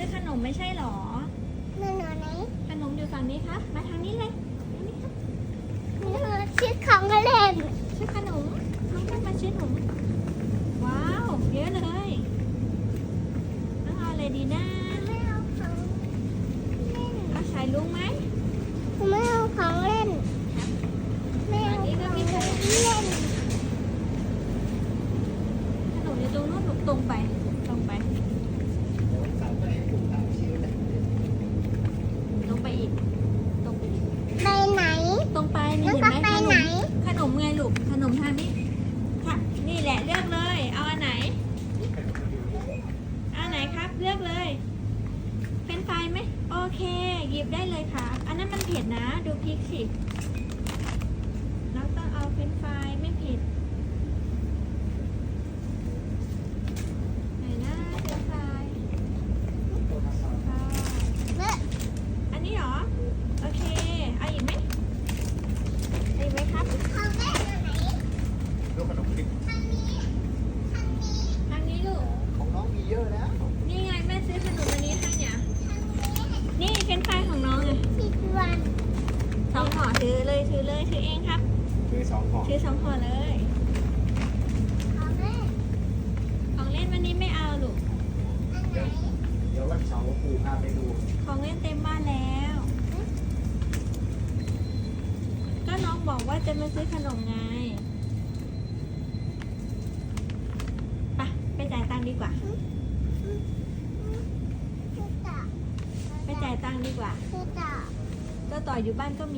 ซื้อขนมไม่ใช่หรอแม่หนูไหนขนมอยู่ฝั่งนี้ครับ มาทางนี้เลยทางนี้ครับหนูชื่อของเล่นซื้อขนมน้องแค่มาซื้อขนมว้าวเยอะเลยน้องเอาอะไรดีนะไม่เอาของเล่นเอาสายลุงไหมไม่เอาของเล่นไม่เอาของเล่นขนมอยู่ตรงนู้นตรงไปตรงไปตรงไปอีกตรงไปอีกไปไหนตรงไปนี่แล้วเห็นก็ไหมไปขนไหนมขนมไงลูกขนมทางนี้ค่ะนี่แหละเลือกเลย เอาอันไหนเอาอันไหนครับเลือกเลย เป็นไฟไหมโอเคหยิบได้เลยค่ะอันนั้นมันเผ็ดนะดูพริกสิเราต้องเอาเป็นไฟไม่เผ็ดไหนนะเป็นไฟค่ะเมื่ออันนี้เหรอโอเคเอาอีกไหมเอาอีกไหมครับของเล่นอยู่ไหนลูกขนมคริกทางนี้ทางนี้ทางนี้ลูกของน้องมีเยอะแล้วนี่ไงแม่ซื้อขนมอันนี้ให้เนี่ยทางนี้นี่เป็นไฟของน้องไงผิดวันสองห่อถือเลยถือเลยถือเองครับคือ2 ห่อถือ2 ห่อเลยของเล่นของเล่นวันนี้ไม่เอาลูกอันไหนเดี๋ยววันเสาร์ปู่พาไปดูของเล่นเต็มบ้านแล้ว ก็น้องบอกว่าจะมาซื้อขนมไงไปจ่ายตังค์ดีกว่าคือต่อไปจ่ายตังค์ดีกว่าคือต่อก็ต่ออยู่บ้านก็มี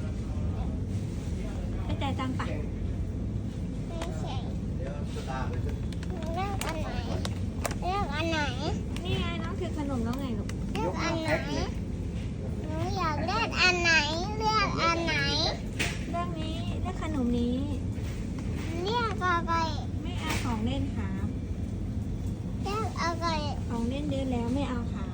ไปจ่ายตังค์ปะไม่ใช่เดี๋ยวจะตามไปจะเลือกอันไหนเลือกอันไหนนี่ไงน้องถือขนมแล้วไงลูกเลือกอันไหนหนูอยากเลือกอันไหนเลือกอันไหนเรื่องนี้เรื่องขนมนี้เลือกอะไรไม่เอาของเล่นครับเลือกอะไรของเล่นเยอะแล้วไม่เอาครับ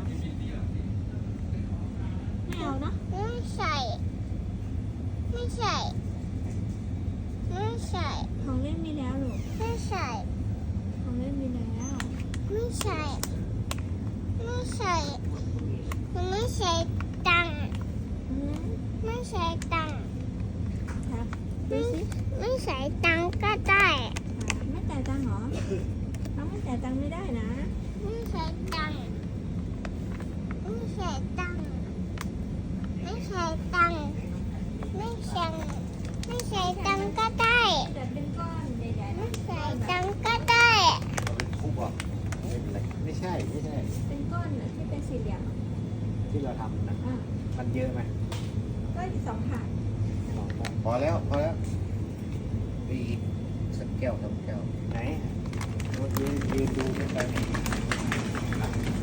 ไม่เอาเนาะไม่ใช่ไม่ใช่ไม่ใช่ของเล่นมีแล้วลูกไม่ใช่ของเล่นมีแล้วไม่ใช่ไม่ใช่ไม่ใช่ตังค์อืมไม่ใช่ตังค์ครับดูสิไม่ใช่ตังค์ก็ได้ครับไม่จ่ายตังค์เหรอน้องไม่จ่ายตังค์ไม่ได้นะไม่ใช่ตังค์ไม่ใช่ตังค์ไม่ใช่ตังค์ไม่ใช่ไม่ใช่ตังค์ก็ได้แต่เป็นก้อนใหญ่ๆไม่นะใช่ตังค์ก็ได้เอาเป็นคุกอ่ะไม่เป็นไรไม่ใช่เป็นก้อนน่ะที่เป็นสี่เหลี่ยมอ่ะที่เราทำนะอ่ะมันเยอะไหมก็2 ถาด 2 ห่อพอแล้วมีอีกสักแก้ว 2 แก้วไหนยืนดูไม่ไปนี่